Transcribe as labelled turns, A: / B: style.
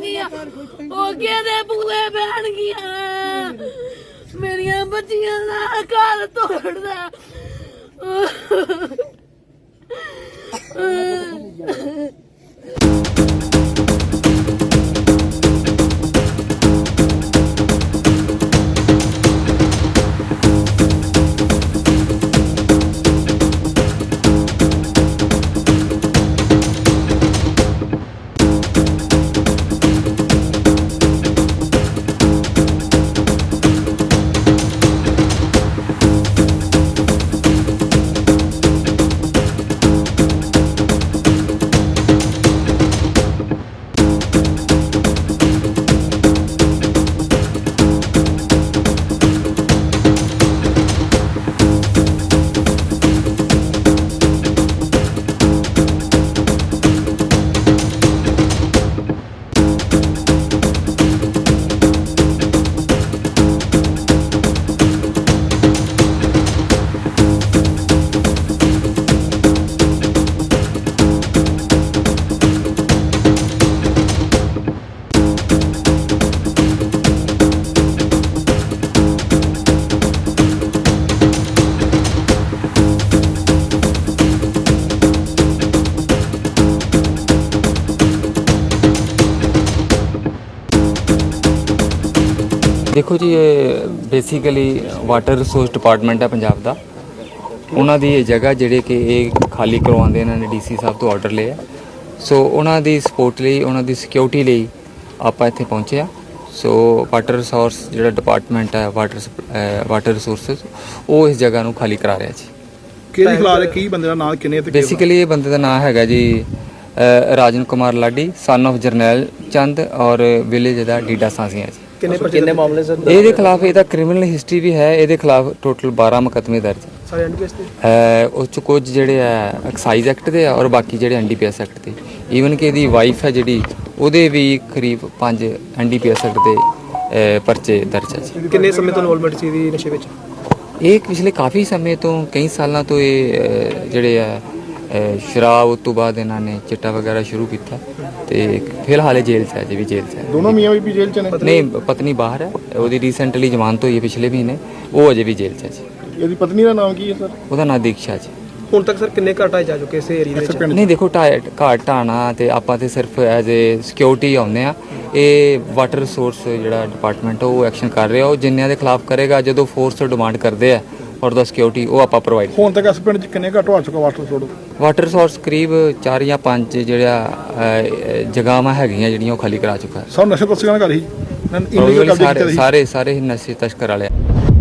A: ਪੈਣਗੀਆਂ, ਉਹ ਕਿਹਦੇ ਬੂਹੇ ਪੈਣਗੀਆਂ। ਮੇਰੀਆਂ ਬੱਚੀਆਂ ਦਾ ਘਰ ਤੋੜਦਾ।
B: देखो जी, ये बेसिकली वाटर रिसोर्स डिपार्टमेंट है पंजाब दा। उन्हां दी जगह जिहड़े कि ये खाली करवाउंदे इन्हां ने डीसी साहब तो ऑर्डर लिया। सो उन्हां दी सपोर्ट लई, उन्हां दी सिक्योरिटी लई आपां इत्थे पहुंचे आ। सो वाटर रिसोर्स जिहड़ा डिपार्टमेंट है वाटर रिसोर्सिस वो इस जगह नूं खाली करा रहा जी।
C: किहदे खिलाफ की बंदे दा नाम किन्ने ते
B: बेसिकली ये बंदे दा नाम हैगा जी राजन कुमार लाडी, सन ऑफ जरनैल चंद और विलेज दा डीडा सांसियां जी।
C: किन्ने मामले सर
B: ਇਹਦੇ ਖਿਲਾਫ ਇਹਦਾ ਕ੍ਰਿਮੀਨਲ ਹਿਸਟਰੀ ਵੀ ਹੈ। ਇਹਦੇ ਖਿਲਾਫ ਟੋਟਲ 12 ਮੁਕੱਦਮੇ ਦਰਜ
C: ਸਾਰੇ ਐਨਡੀਪੀਐਸ ਤੇ
B: ਉਸ ਚ ਕੁਝ ਜਿਹੜੇ ਆ ਐਕਸਾਈਜ਼ ਐਕਟ ਦੇ ਆ ਔਰ ਬਾਕੀ ਜਿਹੜੇ ਐਨਡੀਪੀਐਸ ਐਕਟ ਦੇ। ਈਵਨ ਕਿ ਇਹਦੀ ਵਾਈਫ ਹੈ ਜਿਹੜੀ, ਉਹਦੇ ਵੀ ਕਰੀਬ 5 ਐਨਡੀਪੀਐਸ ਐਕਟ ਦੇ ਪਰਚੇ ਦਰਜ ਹੈ ਜੀ।
C: ਕਿੰਨੇ ਸਮੇਂ ਤੋਂ ਇਨਵੋਲਵਮੈਂਟ ਸੀ ਦੀ ਨਸ਼ੇ ਵਿੱਚ?
B: ਇਹ ਪਿਛਲੇ ਕਾਫੀ ਸਮੇਂ ਤੋਂ, ਕਈ ਸਾਲਾਂ ਤੋਂ ਇਹ ਜਿਹੜੇ ਆ ਸ਼ਰਾਬ ਉਸ ਤੋਂ ਬਾਅਦ ਇਹਨਾਂ ਨੇ ਚਿੱਟਾ ਵਗੈਰਾ ਸ਼ੁਰੂ ਕੀਤਾ ਤੇ ਫਿਲਹਾਲ ਜੇਲ੍ਹ 'ਚ ਹੈ ਜੀ, ਵੀ ਜੇਲ੍ਹ 'ਚ ਹੈ।
C: ਦੋਨੋਂ ਮੀਆਂ ਬੀਬੀ ਜੇਲ੍ਹ 'ਚ ਨੇ?
B: ਨਹੀਂ, ਪਤਨੀ ਬਾਹਰ ਹੈ। ਉਹਦੀ ਰੀਸੈਂਟਲੀ ਜ਼ਮਾਨਤ ਹੋਈ ਹੈ ਪਿਛਲੇ ਮਹੀਨੇ, ਉਹ ਅਜੇ ਵੀ ਜੇਲ੍ਹ 'ਚ ਹੈ ਜੀ।
C: ਇਹਦੀ ਪਤਨੀ ਦਾ ਨਾਮ ਕੀ ਹੈ ਸਰ?
B: ਉਹਦਾ ਨਾਂ ਦੀਕਸ਼ਾ ਜੀ।
C: ਹੁਣ ਤੱਕ ਸਰ ਕਿੰਨੇ ਘਰ ਢਾਏ ਜਾ ਚੁੱਕੇ ਇਸ ਏਰੀਆ ਦੇ ਵਿੱਚ?
B: ਨਹੀਂ ਦੇਖੋ, ਘਾਟ ਢਾਣਾ ਤੇ ਆਪਾਂ ਤੇ ਸਿਰਫ ਐਜ਼ ਏ ਸਿਕਿਉਰਿਟੀ ਆਉਂਦੇ ਆ। ਇਹ ਵਾਟਰ ਰਿਸੋਰਸ ਜਿਹੜਾ ਡਿਪਾਰਟਮੈਂਟ ਉਹ ਐਕਸ਼ਨ ਕਰ ਰਿਹਾ। ਉਹ ਜਿੰਨਿਆਂ ਦੇ ਖਿਲਾਫ ਕਰੇਗਾ, ਜਦੋਂ ਫੋਰਸ ਤੋਂ ਡਿਮਾਂਡ ਕਰਦੇ ਆ ਔਰ ਦਾ ਸਿਕਿਉਰਿਟੀ ਉਹ ਆਪਾਂ ਪ੍ਰੋਵਾਈਡ।
C: ਹੁਣ ਤੱਕ ਇਸ ਪਿੰਡ 'ਚ ਕਿੰਨੇ ਘਰ ਢਵਾ ਚੁੱਕਾ ਵਾਟਰ ਰਿਸੋਰਸ?
B: ਵਾਟਰ ਰਿਸੋਰਸ ਕਰੀਬ 4 ਜਾਂ 5 ਜਿਹੜਾ ਜਗ੍ਹਾਵਾਂ ਹੈਗੀਆਂ ਜਿਹੜੀਆਂ ਉਹ ਖਾਲੀ ਕਰਾ ਚੁੱਕਾ ਹੈ।
C: ਸਭ ਨਸ਼ੇ ਤਸਕਰਾਂ ਘਰ ਹੀ
B: ਸਾਰੇ ਨਸ਼ੇ ਤਸਕਰ ਵਾਲੇ।